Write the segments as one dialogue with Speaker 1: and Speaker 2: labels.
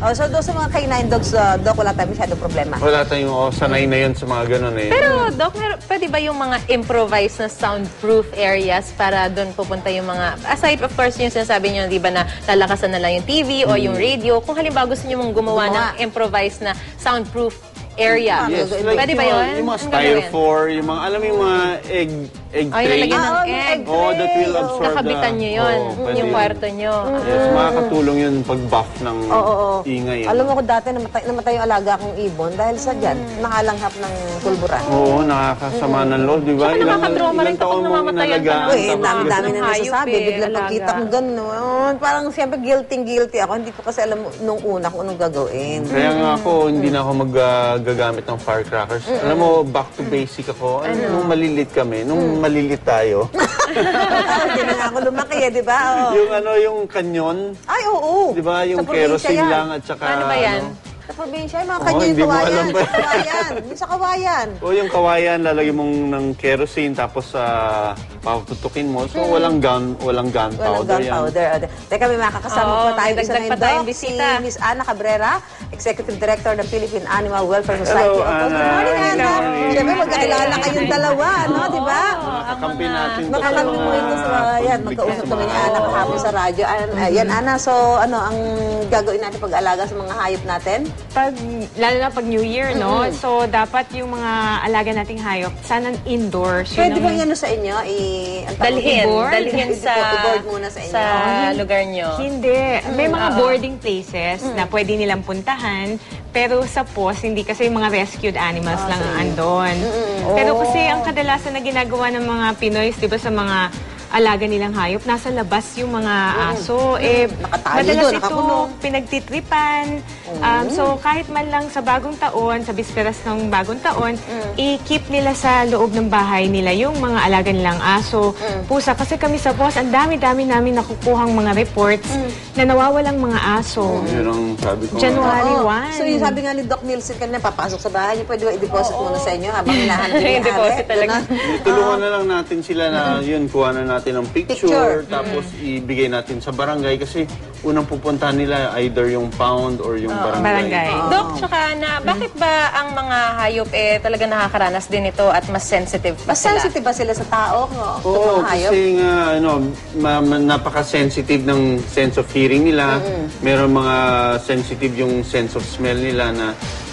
Speaker 1: Oh, so doon sa mga canine dogs, Doc, wala tayong masyadong problema.
Speaker 2: Wala tayong sanay na yun sa mga ganun eh.
Speaker 3: Pero, Doc, pwede ba yung mga improvised na soundproof areas para doon pupunta yung mga, aside of course yung sinasabi nyo, di ba, na lalakasan na lang yung TV o yung radio, kung halimbawa gusto nyo mong gumawa ng improvised na soundproof area.
Speaker 2: Yes, like
Speaker 3: pwede ba yun?
Speaker 2: Yung mga styrofoam, yung mga, alam mo yung mga egg tray.
Speaker 3: Lalagyan ng egg.
Speaker 2: Oh, that will absorb
Speaker 3: Kakabitan nyo yun, yung kwarto nyo.
Speaker 2: Yes, makakatulong yun pag-buff ng ingay.
Speaker 1: Alam mo ko dati namatay yung alaga kong ibon dahil sa dyan, nakalanghap ng pulburan.
Speaker 2: Oo, nakakasama ng loob, di ba?
Speaker 3: Saka nakakatrauma rin kapag namamatayan ka na.
Speaker 1: Uy, dami-dami na nasasabi. Biglang pagkita ko gano'n. Parang siyempre guilty ako. Hindi ko kasi alam nung una kung anong gagawin.
Speaker 2: Kaya nga ako, hindi na ako magagamit ng firecrackers. Alam mo, back to basic ako. Nung malilit kami, nung malilit tayo.
Speaker 1: Hindi na nga ako lumaki di ba?
Speaker 2: Yung yung kanyon.
Speaker 1: Ay, oo.
Speaker 2: Di ba? Yung kerosene lang at saka...
Speaker 3: Ano ba yan?
Speaker 1: Sa probinsya, yung mga kanyo yung kawayan. Yung sa kawayan.
Speaker 2: O yung kawayan, lalagyan mong ng kerosene tapos paputukin mo. So walang gunpowder
Speaker 1: Walang gunpowder. Teka, may makakasama po tayo isa
Speaker 3: dagdag pa tayong bisita.
Speaker 1: Si Miss Ana Cabrera, Executive Director ng Philippine Animal Welfare Society.
Speaker 2: Hello, Ana.
Speaker 1: Good morning, Ana. Siyempre, magkakilala kayong dalawa, no? Di ba?
Speaker 2: Kakampi natin to.
Speaker 1: Makakampi mo ito sa yan. Magkausap kami ni Ana kahapon sa radyo. Yan, Ana. So, ano ang gagawin natin pag-alaga sa mga hayop natin?
Speaker 4: Lalo na pag New Year, no? So, dapat yung mga alaga nating hayop, sana indoors.
Speaker 1: Pwede bang yan sa inyo?
Speaker 3: Dalhin
Speaker 1: i-board muna sa inyo.
Speaker 3: Sa lugar nyo.
Speaker 4: Hindi. May mga boarding places na pwede nilang puntahan. Pero sa POS, hindi kasi yung mga rescued animals lang ang andon. Pero kasi ang kadalasan na ginagawa ng mga Pinoy, di ba, sa mga alaga nilang hayop, nasa labas yung mga aso. Madalas ito pinagtitripan. So, kahit man lang sa bagong taon, sa bisperas ng bagong taon, i-keep nila sa loob ng bahay nila yung mga alaga nilang aso, pusa. Kasi kami sa POS, ang dami-dami namin nakukuhang mga reports na nawawalang mga aso.
Speaker 2: Yun ang sabi ko.
Speaker 4: January 1.
Speaker 1: So, yung sabi nga ni Doc Nielsen kanina, papasok sa bahay niyo, pwede ba i-deposit muna sa inyo habang hinahanap niyo yung
Speaker 3: deposit talaga.
Speaker 2: Tulungan na lang natin sila na yun, kuha na natin ng picture. Tapos ibigay natin sa barangay kasi unang pupuntahan nila either yung pound or yung barangay.
Speaker 3: Dok, tsaka bakit ba ang mga hayop talaga nakakaranas din ito at mas sensitive pa
Speaker 1: Mas
Speaker 3: sila?
Speaker 1: sensitive ba sila sa tao?
Speaker 2: Oo, kasi nga, napaka-sensitive ng sense of hearing nila. Meron mga sensitive yung sense of smell nila na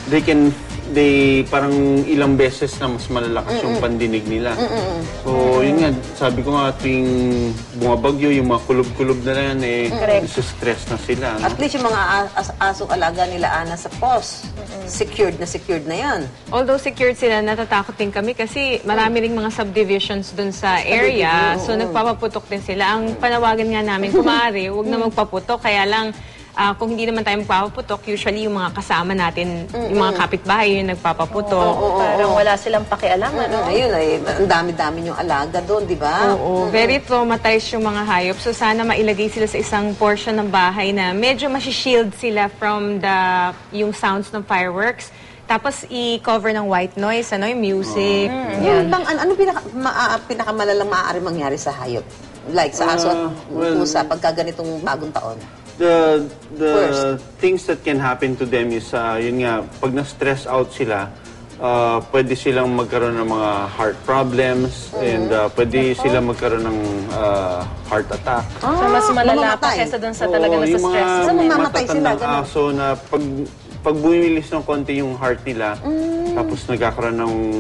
Speaker 2: parang ilang beses na mas malalakas yung pandinig nila. So, yun nga, sabi ko nga, tuwing bumabagyo, yung mga kulob-kulob na yan, stress na sila. No?
Speaker 1: At least yung mga asong alaga nila, Ana, sa POS, secured na yan.
Speaker 4: Although secured sila, natatakot din kami kasi marami ring mga subdivisions dun sa area. So, nagpapaputok din sila. Ang panawagan nga namin, kung maaari, huwag na magpaputok. Kaya lang, kung hindi naman tayo magpapaputok, usually yung mga kasama natin, yung mga kapitbahay yung nagpapaputok.
Speaker 3: Parang wala silang pakialam, ano?
Speaker 1: Ayun, ang dami-dami yung alaga doon, di ba?
Speaker 4: Oo, very traumatized yung mga hayop. So sana mailagay sila sa isang portion ng bahay na medyo masishield sila from yung sounds ng fireworks. Tapos i-cover ng white noise, yung music.
Speaker 1: Ano pinakamalalang maaari mangyari sa hayop? Like sa aso at pusa pagka ganitong bagong taon?
Speaker 2: The things that can happen to them is, yun nga, pag na-stress out sila, pwede silang magkaroon ng mga heart problems and pwede silang magkaroon ng heart attack.
Speaker 3: So, mas malala pa kesa dun sa talaga nasa-stress.
Speaker 1: So, mamamatay sila,
Speaker 2: ganun. Aso na pag bumilis ng konti yung heart nila, tapos nagkakaroon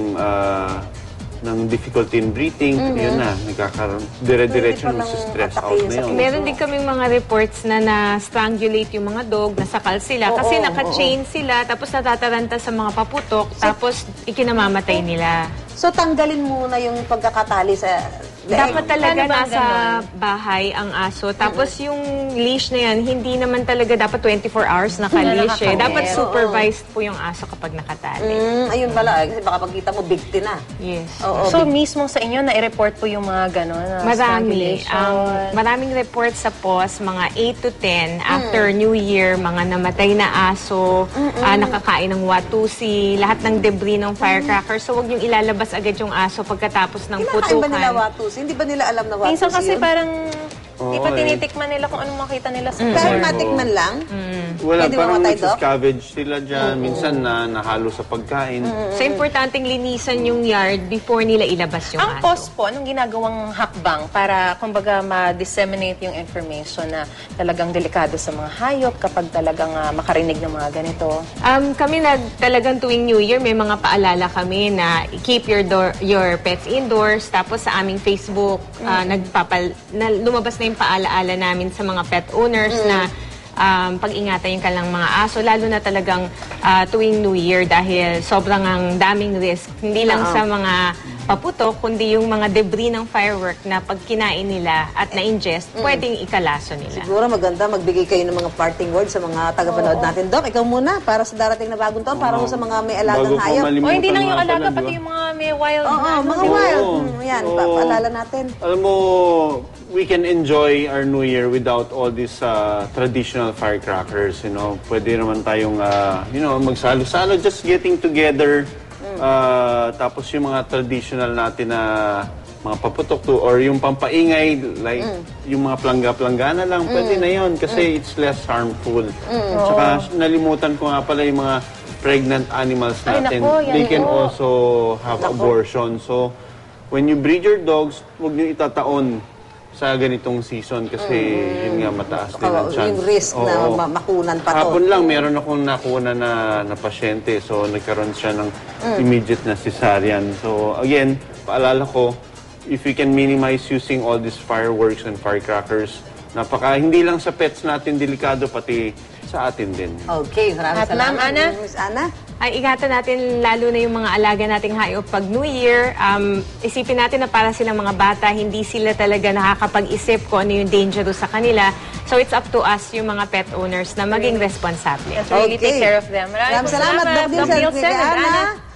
Speaker 2: ng difficulty in breathing, yun na, nagkakaroon, dire-diretso ng stress out na yun.
Speaker 4: Meron din kaming mga reports na na-strangulate yung mga dog, nasakal sila, kasi naka-chain sila, tapos natataranta sa mga paputok, tapos ikinamamatay nila.
Speaker 1: So, tanggalin muna yung pagkakatali sa leeg.
Speaker 4: Dapat talaga nasa bahay ang aso. Tapos yung leash na yan, hindi naman talaga dapat 24 hours naka-leash eh. Dapat supervised po yung aso kapag nakatali.
Speaker 1: Ayun pala, kasi baka pagkita mo, bigti na.
Speaker 4: Yes.
Speaker 3: So, mismo sa inyo, na-report po yung mga gano'n?
Speaker 4: Marami. Maraming reports sa POS, mga 8 to 10 after New Year, mga namatay na aso, nakakain ng watusi, lahat ng debris ng firecracker. So, huwag yung ilalabas agad yung aso pagkatapos ng putukan.
Speaker 1: Kinakain ba nila watusi? Hindi ba nila alam na watusi
Speaker 3: minsan kasi
Speaker 1: yun?
Speaker 3: parang di pa tinitikman nila kung anong makita nila sa
Speaker 1: Pero matikman lang?
Speaker 2: Wala,
Speaker 1: Pwede
Speaker 2: parang
Speaker 1: mamatay, Doc?
Speaker 2: nagsascavenge sila dyan. Minsan nahalo sa pagkain.
Speaker 4: So, importanteng linisan yung yard before nila ilabas yung
Speaker 3: Ang
Speaker 4: aso.
Speaker 3: POS po, anong ginagawang hakbang para, kumbaga, ma-disseminate yung information na talagang delikado sa mga hayop kapag talagang makarinig ng mga ganito?
Speaker 4: Kami talagang tuwing New Year, may mga paalala kami na keep your pets indoors. Tapos sa aming Facebook, lumabas na yung paalaala namin sa mga pet owners na pag-ingatan yung kanilang mga aso, lalo na talagang tuwing New Year dahil sobrang ang daming risk. Hindi lang sa mga paputok, kundi yung mga debris ng firework na pag kinain nila at na-ingest, pwedeng ikalaso nila.
Speaker 1: Siguro maganda magbigay kayo ng mga parting words sa mga tagapanood natin. Doc, ikaw muna para sa darating na bagong taon, para sa mga may alagang
Speaker 2: Bago ko
Speaker 1: hayop.
Speaker 2: malimutan
Speaker 3: O hindi lang yung
Speaker 2: nga pala,
Speaker 3: alaga,
Speaker 2: di
Speaker 3: pati
Speaker 2: ba?
Speaker 3: yung mga may wild
Speaker 1: Oo,
Speaker 3: na,
Speaker 1: mga
Speaker 2: Oo.
Speaker 1: wild. Yan,
Speaker 2: Oo.
Speaker 1: paalala natin.
Speaker 2: Alam mo, we can enjoy our New Year without all these traditional firecrackers, you know. Pwede naman tayong, magsalo-salo, just getting together. Tapos yung mga traditional natin na mga paputok to, or yung pampaingay, like yung mga plangga-planggana lang, pwede na yun kasi it's less harmful. Tsaka nalimutan ko nga pala yung mga pregnant animals
Speaker 3: Ay,
Speaker 2: natin.
Speaker 3: nako, yan
Speaker 2: They can
Speaker 3: po.
Speaker 2: also have abortion. So, when you breed your dogs, huwag nyo itataon sa ganitong season kasi yun nga mataas din ang chance.
Speaker 1: Yung risk na
Speaker 2: Oo.
Speaker 1: makunan pa to.
Speaker 2: Hapon lang, meron akong nakuna na pasyente. So, nagkaroon siya ng immediate na cesarean. So, again, paalala ko, if we can minimize using all these fireworks and firecrackers, hindi lang sa pets natin delikado, pati sa atin din.
Speaker 1: Okay, maraming
Speaker 3: At Ma'am
Speaker 1: salamat.
Speaker 3: Ana?
Speaker 1: Miss Ana?
Speaker 4: Ay, ingatan natin lalo na yung mga alaga nating hayop pag New Year. Isipin natin na para silang mga bata, hindi sila talaga nakakapag-isip kung ano yung dangerous sa kanila. So it's up to us, yung mga pet owners, na maging responsable.
Speaker 3: Yes, really
Speaker 1: Okay.
Speaker 3: take care of them.
Speaker 1: Maraming salamat, Doc Nielsen.
Speaker 3: Nielsen and
Speaker 1: Ana.
Speaker 3: Ana.